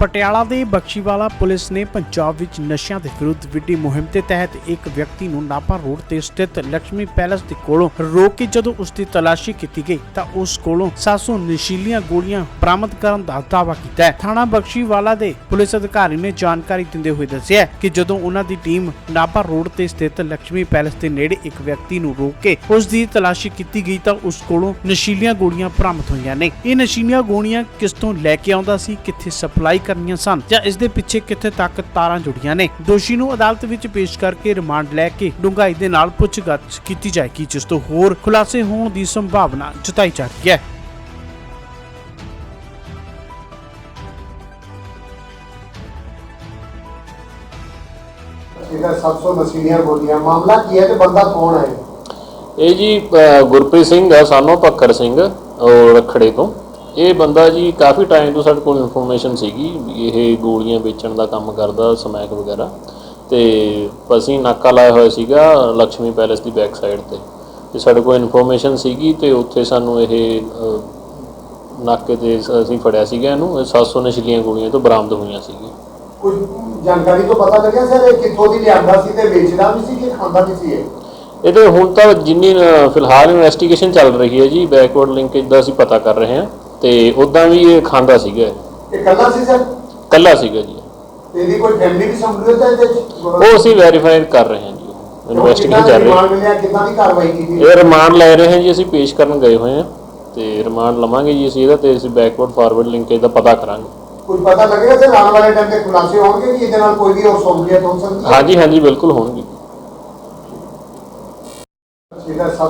ਪਟਿਆਲਾ ਦੇ ਬਖਸ਼ੀਵਾਲਾ ਪੁਲਿਸ ਨੇ ਪੰਜਾਬ ਵਿੱਚ ਨਸ਼ਿਆਂ ਦੇ ਵਿਰੁੱਧ ਵਿੱਢੀ ਮੁਹਿੰਮ ਦੇ ਤਹਿਤ ਇੱਕ ਵਿਅਕਤੀ ਨੂੰ ਨਾਭਾ ਰੋਡ ਤੇ ਸਥਿਤ ਲక్ష్ਮੀ ਪੈਲੇਸ ਦੇ ਕੋਲੋਂ ਰੋਕ ਕੇ ਜਦੋਂ ਉਸ ਦੀ ਤਲਾਸ਼ੀ ਕੀਤੀ ਗਈ ਤਾਂ ਉਸ ਕੋਲੋਂ 700 ਨਸ਼ੀਲੀਆਂ ਗੋਲੀਆਂ ਬਰਾਮਦ ਕਰਨ ਦਾ ਦਾਅਵਾ ਕੀਤਾ ਹੈ। ਥਾਣਾ ਬਖਸ਼ੀਵਾਲਾ ਦੇ ਪੁਲਿਸ ਅਧਿਕਾਰੀ ਨੇ ਜਾਣਕਾਰੀ ਦਿੰਦੇ ਹੋਏ ਦੱਸਿਆ ਕਿ ਜਦੋਂ ਉਹਨਾਂ ਦੀ ਟੀਮ ਨਾਭਾ ਰੋਡ ਤੇ ਸਥਿਤ ਲక్ష్ਮੀ ਪੈਲੇਸ ਦੇ ਨੇੜੇ ਇੱਕ ਵਿਅਕਤੀ ਨੂੰ ਰੋਕ ਕੇ ਉਸ ਦੀ ਤਲਾਸ਼ੀ ਕੀਤੀ ਗਈ ਤਾਂ ਉਸ ਕੋਲੋਂ ਨਸ਼ੀਲੀਆਂ ਗੋਲੀਆਂ ਬਰਾਮਦ ਹੋਈਆਂ ਨੇ। ਇਹ ਨਸ਼ੀਲੀਆਂ ਗੋਲੀਆਂ ਕਿਸ ਤੋਂ ਲੈ ਕੇ ਆਉਂਦਾ ਸੀ, ਕਿੱਥੇ ਸਪਲਾਈ ਕਰਨੀਆਂ ਸਨ ਜਾਂ ਇਸ ਦੇ ਪਿੱਛੇ ਕਿੱਥੇ ਤੱਕ ਤਾਰਾਂ ਜੁੜੀਆਂ ਨੇ। ਦੋਸ਼ੀ ਨੂੰ ਅਦਾਲਤ ਵਿੱਚ ਪੇਸ਼ ਕਰਕੇ ਰਿਮਾਂਡ ਲੈ ਕੇ ਡੂੰਘਾਈ ਦੇ ਨਾਲ ਪੁੱਛਗਿੱਛ ਕੀਤੀ ਜਾਏਗੀ, ਜਿਸ ਤੋਂ ਹੋਰ ਖੁਲਾਸੇ ਹੋਣ ਦੀ ਸੰਭਾਵਨਾ ਜਤਾਈ ਜਾ ਰਹੀ ਹੈ। ਇਹਦਾ 700 ਨਸ਼ੀਲੀਆਂ ਗੋਲੀਆਂ ਮਾਮਲਾ ਕੀ ਹੈ ਤੇ ਬੰਦਾ ਕੌਣ ਹੈ? ਇਹ ਜੀ ਗੁਰਪ੍ਰੀਤ ਸਿੰਘ ਆ, ਸਾਨੂੰ ਭੱਖਰ ਸਿੰਘ ਰਖੜੇ ਤੋਂ। ਇਹ ਬੰਦਾ ਜੀ ਕਾਫੀ ਟਾਈਮ ਤੋਂ ਸਾਡੇ ਕੋਲ ਇਨਫੋਰਮੇਸ਼ਨ ਸੀਗੀ ਵੀ ਇਹ ਗੋਲੀਆਂ ਵੇਚਣ ਦਾ ਕੰਮ ਕਰਦਾ, ਸਮੈਕ ਵਗੈਰਾ, ਤੇ ਅਸੀਂ ਨਾਕਾ ਲਾਇਆ ਹੋਇਆ ਸੀਗਾ ਲక్ష్ਮੀ ਪੈਲੇਸ ਦੀ ਬੈਕ ਸਾਈਡ ਤੇ ਸਾਡੇ ਕੋਲ ਇਨਫੋਰਮੇਸ਼ਨ ਸੀਗੀ ਤੇ ਉੱਥੇ ਸਾਨੂੰ ਇਹ ਨਾਕੇ ਤੇ ਅਸੀਂ ਫੜਿਆ ਸੀਗਾ ਇਹਨੂੰ। 700 ਨਸ਼ੀਲੀਆਂ ਗੋਲੀਆਂ ਤੋਂ ਬਰਾਮਦ ਹੋਈਆਂ ਸੀਗੀਆਂ। ਕੁਝ ਜਾਣਕਾਰੀ ਤੋਂ ਪਤਾ ਲੱਗਿਆ ਸਰ ਇਹ ਕਿੱਥੋਂ ਦੀ ਲਿਆਂਦਾ ਸੀ ਤੇ ਵੇਚਦਾ ਵੀ ਸੀ ਕਿ ਖਾਂਦਾ ਵੀ ਸੀ? ਇਹਦੇ ਹੁਣ ਤਾਂ ਜਿੰਨੀ ਫਿਲਹਾਲ ਇਨਵੈਸਟੀਗੇਸ਼ਨ ਚੱਲ ਰਹੀ ਹੈ ਜੀ, ਬੈਕਵਰਡ ਲਿੰਕੇਜ ਦਾ ਅਸੀਂ ਪਤਾ ਕਰ ਰਹੇ ਹਾਂ, ਤੇ ਉਦਾਂ ਵੀ ਇਹ ਖਾਂਦਾ ਸੀਗਾ। ਇਹ ਕੱਲਾ ਸੀ ਸਰ? ਕੱਲਾ ਸੀਗਾ ਜੀ। ਇਹਦੀ ਕੋਈ ਫੈਮਿਲੀ ਵੀ ਸੰਬੰਧਿਤ ਹੈ ਇਹਦੇ ਵਿੱਚ? ਉਹ ਅਸੀਂ ਵੈਰੀਫਾਈ ਕਰ ਰਹੇ ਹਾਂ ਜੀ, ਇਨਵੈਸਟੀਗੇਸ਼ਨ ਚੱਲ ਰਹੀ ਹੈ। ਕਿੱਦਾਂ ਦੀ ਕਾਰਵਾਈ ਕੀਤੀ? ਇਹ ਰਿਮਾਂਡ ਲੈ ਰਹੇ ਹਾਂ ਜੀ, ਅਸੀਂ ਪੇਸ਼ ਕਰਨ ਗਏ ਹੋਏ ਹਾਂ ਤੇ ਰਿਮਾਂਡ ਲਵਾਂਗੇ ਜੀ ਅਸੀਂ ਇਹਦਾ, ਤੇ ਅਸੀਂ ਬੈਕਵਰਡ ਫਾਰਵਰਡ ਲਿੰਕੇਜ ਦਾ ਪਤਾ ਕਰਾਂਗੇ। ਕੁਝ ਪਤਾ ਲੱਗੇਗਾ ਸਰ ਆਉਣ ਵਾਲੇ ਟਾਈਮ ਤੇ ਖੁਲਾਸੇ ਹੋਣਗੇ ਕਿ ਇਹਦੇ ਨਾਲ ਕੋਈ ਵੀ ਹੋਰ ਸਹੂਲੀਅਤ ਹੋ ਸਕਦੀ ਹੈ? ਹਾਂਜੀ ਬਿਲਕੁਲ ਹੋਣਗੇ।